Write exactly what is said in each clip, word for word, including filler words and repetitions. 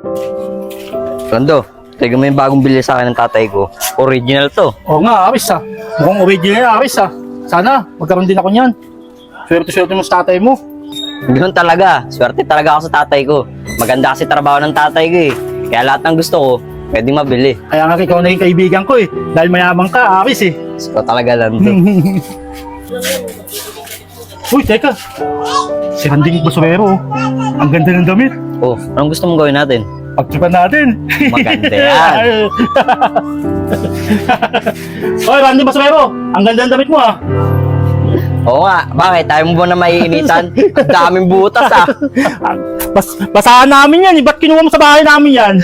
Rondo, tignan mo yung bagong bili sa akin ng tatay ko. Original to. Oo nga, awis ah. Mukhang original na awis ah. Sana, magkaroon din ako niyan. Swerte-swerte mo sa tatay mo. Ganun talaga. Swerte talaga ako sa tatay ko. Maganda kasi trabaho ng tatay ko eh. Kaya lahat ng gusto ko, pwedeng mabili. Kaya nga ikaw naging kaibigan ko eh. Dahil mayabang ka, awis eh. So talaga lang to. Uy, teka. Si Randing Basurero. Ang ganda ng damit. Oh, anong gusto mong gawin natin? Pagtripan natin. Maganda yan. Oy, Randy Basurero. Ang ganda ng damit mo ah. Oo nga, bakit? Tayo mo ba na maiinitan? Ang daming butas ah. Bas basahan namin yan eh. Ba't kinuha mo sa bahay namin yan?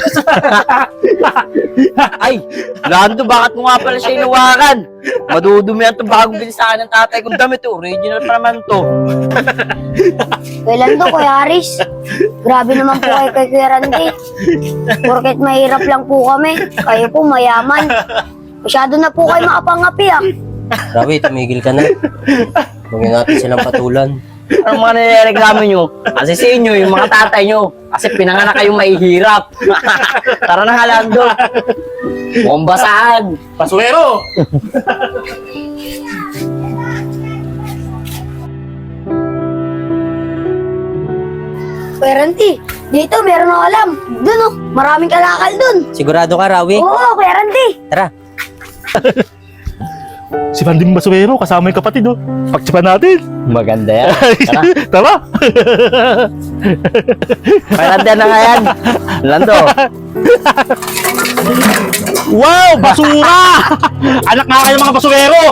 Ay, Lando, bakit mo nga pala siya inuwakan? Madudumi yan itong bagong bilisahan ng tatay kong damit. Original pa naman to. Kailan to, Kuya Aris? Grabe naman po kayo kay Kuya Randy. Porket mahirap lang po kami. Kayo po mayaman. Masyado na po kayo makapangapi ah. Rawi, tumigil ka na. Huwag natin silang patulan. Anong mga nireklamo nyo? Kasi sa inyo, yung mga tatay nyo. Kasi pinanganak kayong mahihirap. Tara na nga, Lando. Mukhang basahan. Basurero! Kuya Randy, dito meron ako alam. Dun oh, maraming kalakal dun. Sigurado ka, Rawi? Oo, Kuya Randy. Tara. Si Randing Basurero, kasama yung kapatid oh. Pagtripan natin. Maganda yan. Tara. Tara. Maganda na nga yan. Lando. Wow, basura! Anak nga kayo mga basurero!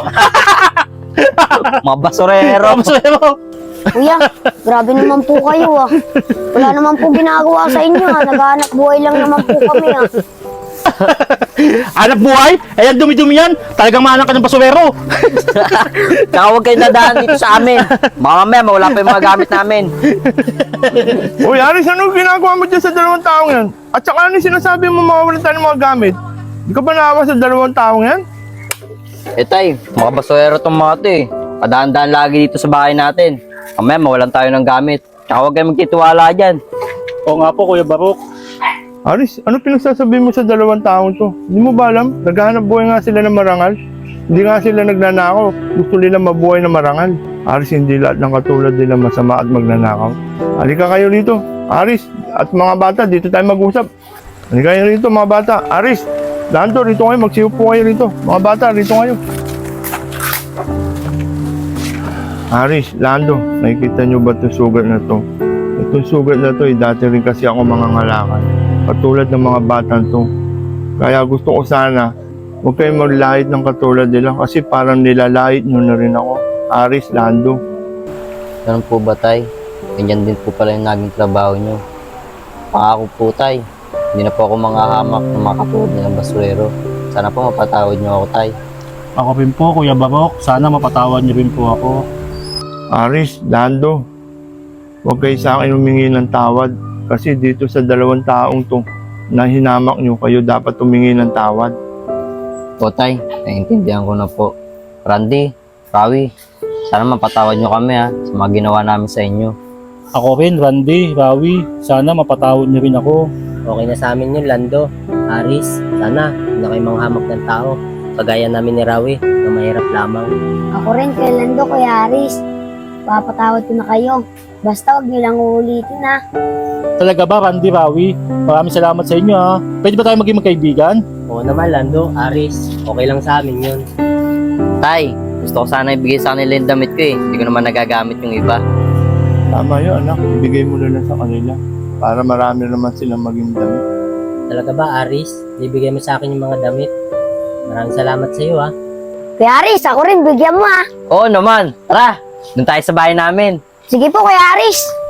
Mga basurero. Mga basurero! Kuya, grabe naman po kayo ah. Wala naman po ginagawa sa inyo ah. Naghahanap buhay lang naman po kami ah. Anak buhay? Ayan, dumi-dumi yan. Talagang maanak ka ng basurero. Tsaka huwag kayo nadaan dito sa amin. Baka mamaya mawala pa yung mga gamit namin. Uy, Aris, ano ginagawa mo dyan sa dalawang taong yan? At saka ano yung sinasabi mo mawawalan tayo ng mga gamit? Di ka ba naawa sa dalawang taong yan? Eh tay, mga basurero tong mga to eh. Padaan-daan lagi dito sa bahay natin. Mamaya mawalan tayo ng gamit. Tsaka huwag kayo magtitiwala dyan. Oo nga po, Kuya Barok. Aris, ano pinagsasabi mo sa dalawang taong to? Hindi mo ba alam? Naghahanap buhay nga sila ng marangal. Hindi nga sila nagnanakaw. Gusto nila mabuhay na marangal. Aris, hindi lahat ng katulad nila masama at magnanakaw. Halika kayo rito. Aris, at mga bata, dito tayo mag-usap. Halika kayo rito, mga bata. Aris, Lando, rito kayo. Magsiupo po kayo rito. Mga bata, rito kayo. Aris, Lando, nakikita nyo ba itong sugat na to? Itong sugat na to, eh, dati rin kasi ako mangangalakal. Katulad ng mga batang to. Kaya gusto ko sana, huwag kayong maglait ng katulad nila kasi parang nilalait nyo na rin ako. Aris, Lando. Ganun po ba, tay? Ganyan din po pala yung naging trabaho nyo. Pangako po, tay. Hindi na po ako manghahamak ng mga katulad nilang basurero. Sana po mapatawad nyo ako, tay. Ako rin po, Kuya Barok. Sana mapatawad niyo rin po ako. Aris, Lando. Huwag kayo sa akin humingi ng tawad. Kasi dito sa dalawang taong to, na hinamak nyo, kayo dapat humingi ng tawad. Po, tay. Naiintindihan ko na po. Randy, Rawi, sana mapatawad nyo kami ha sa mga ginawa namin sa inyo. Ako rin, Randy, Rawi. Sana mapatawad niyo rin ako. Okay na sa amin yun, Lando. Aris, sana hindi na kayo manghamak ng tao. Kagaya namin ni Rawi na mahirap lamang. Ako rin, kay Lando, Kuya Aris. Papatawad ko na kayo. Basta huwag niyo lang uulitin ah. Talaga ba, Randy, Rawi? Maraming salamat sa inyo ha. Pwede ba tayo maging magkaibigan? Oo naman, Lando, Aris. Okay lang sa amin yun. Tay, gusto ko sana ibigay sa kanila yung damit ko eh. Hindi ko naman nagagamit yung iba. Tama yun, anak. Ibigay mo na lang sa kanila. Para marami naman silang maging damit. Talaga ba, Aris? Bibigay mo sa akin yung mga damit. Maraming salamat sa iyo ha. Kuya Aris, ako rin, bigyan mo ah. Oo naman. Tara, doon tayo sa bahay namin. Sige po, Kuya Aris.